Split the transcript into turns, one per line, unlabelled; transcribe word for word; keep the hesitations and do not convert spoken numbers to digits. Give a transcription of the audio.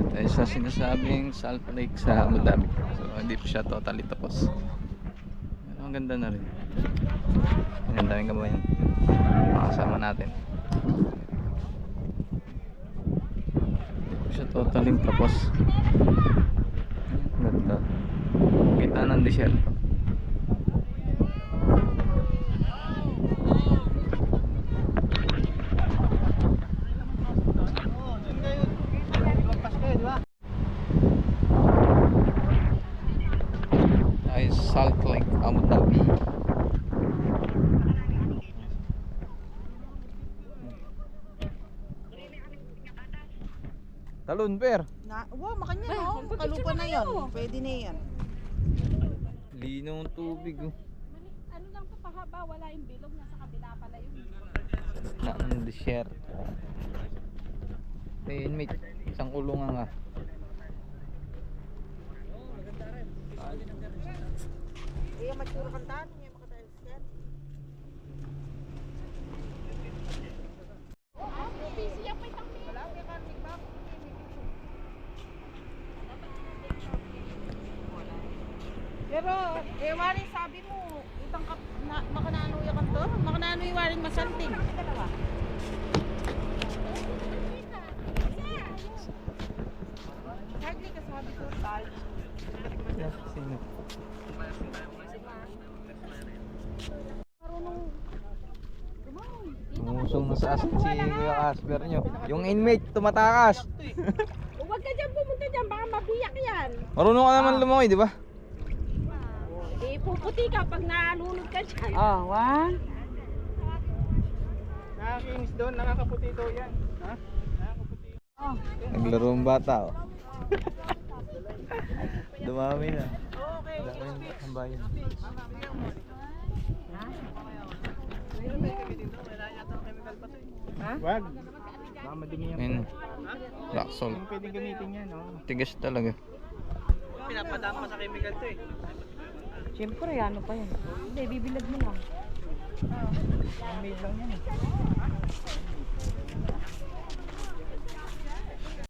Dahil sa sinasabing Salt Lake sa Abu Dhabi. So hindi pa siya totally tapos. Pero ang ganda na rin. Ang daming kabayan. Makasama natin. Hindi pa siya totally tapos. Ang ganda. Kita ng disyerto. Ay, Salt Lake, Abu Dhabi. Talon, per.
Na, wow, makanya no. Kalupa na yan. Pwede na yan.
Linaw ng tubig, oh.
Ano lang to pahaba, wala yung bilog, nasa kabila pala yun.
Na ng desierto. Eh, inmate, isang kulungan nga.
Eh, magsuro kantaan. Ngayon makatiles yan.
Busy yan, may tangmi.
Wala, may karnig ba? Pero, eh, wari, sabi mo, itang kap, na, makanano yung kanto? Makanano yung waring masanting. Hardly ka sabi ko, tal.
Yeah, sino?
Marunong
Umusong na sa asin si Kuya Casper nyo. Yung inmate, tumatakas.
Huwag ka dyan pumunta dyan, baka mabiyak yan.
Marunong ka naman lumangoy, di ba?
Eh, puputi ka pag nalunod ka dyan.
Oh, one.
Nakakinis doon, nakakaputi daw yan. Ha? Nakakaputi.
Oh.
Naglaro ang bata, oh. Dumami na.
Okay.
Dami ang bayan.
Ha?
Wag. Baka madumi yan.
Ayun. Rock salt.
Hindi pwedeng gamitin yan, oh.
Tigas talaga.
Pinapadama sa chemical to eh.
Siyempre, ano pa yan? Hindi, bibilad mo lang.
Handmade lang yan eh.